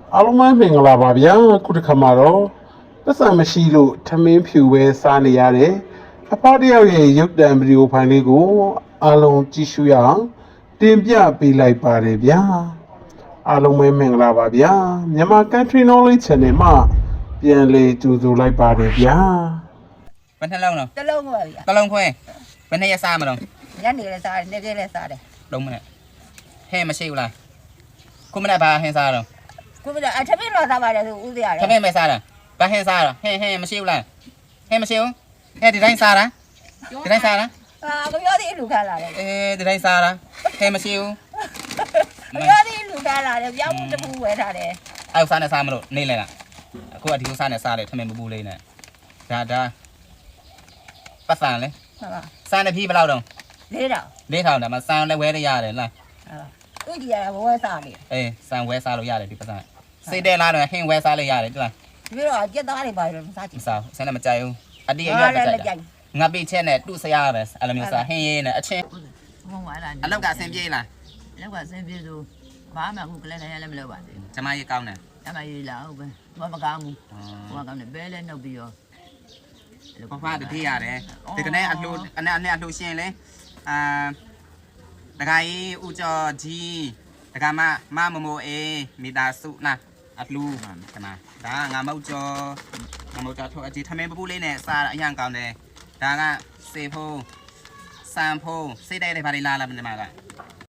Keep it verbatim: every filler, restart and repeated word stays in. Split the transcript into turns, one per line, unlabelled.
အားလုံးပဲမင်္ဂလာပါဗျာခုတစ်ခါမှာတော့ပတ်စံမရှိလို့ထမင်းဖြူပဲစားနေရတယ်အဖတယောက်ရဲ့ရုပ်တံဗီဒီယိုဖိုင်လေးကိုအားလုံးကြည့်ရှုရအောင်တင်ပြပေးလိုက်ပါတယ်ဗျာအားလုံးပဲမင်္ဂလာပါဗျာမြန်မာ Country Knowledge Channel မှာပြန်လေကြိုဆိုလိုက်ပါတယ်ဗျာ
ဘယ်နှလုံးတော့
တလုံးပါဗျာ
တလုံးခွဲဘယ်နှစ်ရက်စားမလို့
ညနေလည်းစားတယ်နေ့ကလည်းစားတယ်
လုံးမနဲ့ဟဲ့မရှိဘူးလားခုမနဲ့ဘာဟင်းစားတော့
ခုမအထမင်းတော့စားပါတယ်ဆိုဦးစရာ
ထမင်းပဲစားတာဘာဟင်းစားတော့ဟဲ့ဟဲ့မရှိဘူးလားဟဲ့မရှိဘူးဟဲ့ဒီတိုင်းစားတာဒီတိုင်းစားတာ
အာကပြောသေးလူခါလာတယ်
အေးဒီတိုင်းစားတာဟဲ့မရှိဘူး
ကပြောသေးလူခါလာတယ်ပြောင်းမှုတစ်ခုဝယ်ထားတယ်
အဲ့စားနဲ့စားမလို့နေလဲလားအခုကဒီလိုစားနဲ့စားတယ်ထမင်းမပူလေးနဲ့ဒါဒါပတ်စံလေ
ဟုတ်ပါ
စားနေပြီဘယ်လောက်တော့
လေးတော့
လေးထောင်ဒါမှစားလည်းဝဲရရတယ်လား
ဟုတ်သူကြီးရဘဝစားနေ
အေးစံဝဲစားလို့ရတယ်ဒီပတ်စံစိတ်တဲလားတော့ဟင်းဝဲစားလို့ရတယ်တူလား
ပြီးတော့ကြက်သားတွေပါလို့စားကြ
မ
ည့်
စားဘူးဆန်းလည်းမကြိုက်ဘူးအတိအရွက်ပဲကြိုက်တာငါပိချက်နဲ့တူစရပဲအဲ့လိုမျိုးစားဟင်းရေးနဲ့အချင်း
ဘုံပါလား
အလောက်ကဆင်ပြေးလား
လောက်ကဆင်းပြေဆိုဘာမှအခုကလည်းလည်းလည်းမလုပ်ပါသေးဘူး
ကျမကြီးကောင်းတယ်
အမရေးလာဟုတ်ပဲဘာမကောင်းဘူးဘာကောင်းတယ်ဘဲလဲနှုတ်ပြီးရော
ဖဖတတိရတယ်ဒီကနေ့အလှူအနဲ့အနဲ့အလှူရှင်လေအာတခါကြီးဦးကျော်ကြီးတခါမမမမိုအေးမိသားစုနာအလှူကနာဒါငါမဟုတ်ကျော်ငါမဟုတ်ကျော်ထုတ်အကြီးထမင်းပပူလေးနဲ့စားအရန်ကောင်းတယ်ဒါကစေဖို့စံဖို့စိတ်တဲ့တွေဘာတွေလာလာမနေမှာက